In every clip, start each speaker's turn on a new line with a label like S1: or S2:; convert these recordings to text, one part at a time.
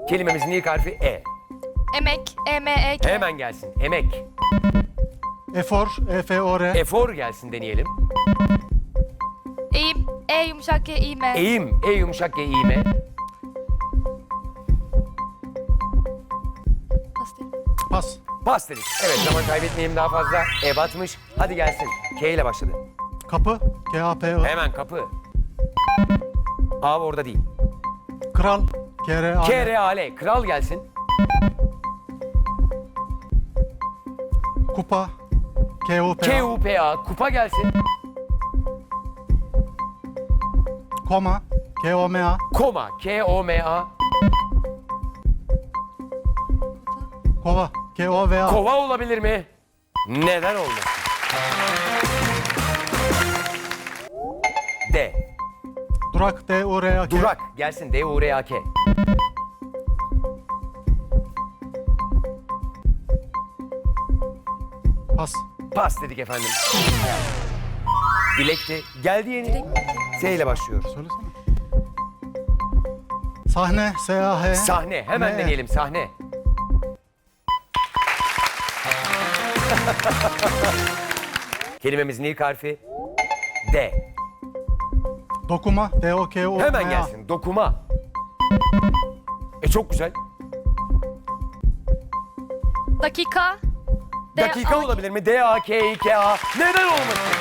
S1: Kelimemizin ilk harfi E.
S2: Emek. E-M-E-K.
S1: Hemen gelsin. Emek.
S3: Efor, E-F-O-R.
S1: Efor gelsin deneyelim.
S2: Eğim. E yumuşak G, İ-M.
S1: Eğim. E yumuşak G, İ, M.
S2: Pas değil.
S3: Pas.
S1: Pas dedik. Evet, zaman kaybetmeyelim daha fazla. E batmış. Hadi gelsin. K ile başladı.
S3: Kapı, K-A-P-I.
S1: Hemen kapı. A orada değil.
S3: Kral, K-R-A-L.
S1: K-R-A-L. Kral gelsin.
S3: Kupa, K-U-P-A.
S1: K-U-P-A. Kupa gelsin.
S3: Koma, K-O-M-A.
S1: Koma. K-O-M-A.
S3: Kova, K-O-V-A.
S1: Kova olabilir mi? Neden olmasın? D.
S3: Durak, D-U-R-A-K.
S1: Durak gelsin. D-U-R-A-K.
S3: Pas.
S1: Pas dedik efendim. Dilekti. Geldi yeni. S ile başlıyor.
S3: Söylesene. Sahne, S-A-H.
S1: Sahne. Hemen
S3: Ne?
S1: deneyelim. Sahne. Kelimemizin ilk harfi D.
S3: Dokuma, D-O-K-U-M-A.
S1: Hemen gelsin. Dokuma. Çok güzel.
S2: Dakika.
S1: Dakika olabilir mi? D-A-K-İ-K-A. Neden olmasın?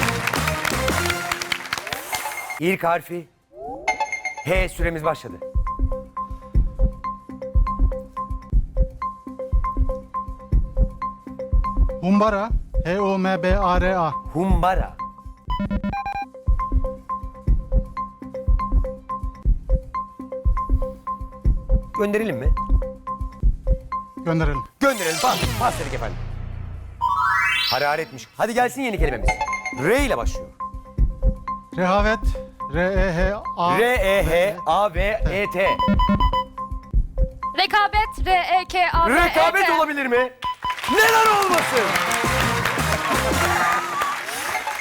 S1: İlk harfi H, süremiz başladı.
S3: Humbara, H-U-M-B-A-R-A.
S1: Humbara. Gönderelim mi?
S3: Gönderelim.
S1: Gönderelim. Pas. Pas dedik efendim. Hararetmiş. Hadi gelsin yeni kelimemiz. R ile başlıyor.
S3: Rehavet, R-E-H-A.
S1: R-E-H-A-V-E-T.
S2: Rekabet. R-E-K-A-B-E-T.
S1: Rekabet olabilir mi? Neden olmasın?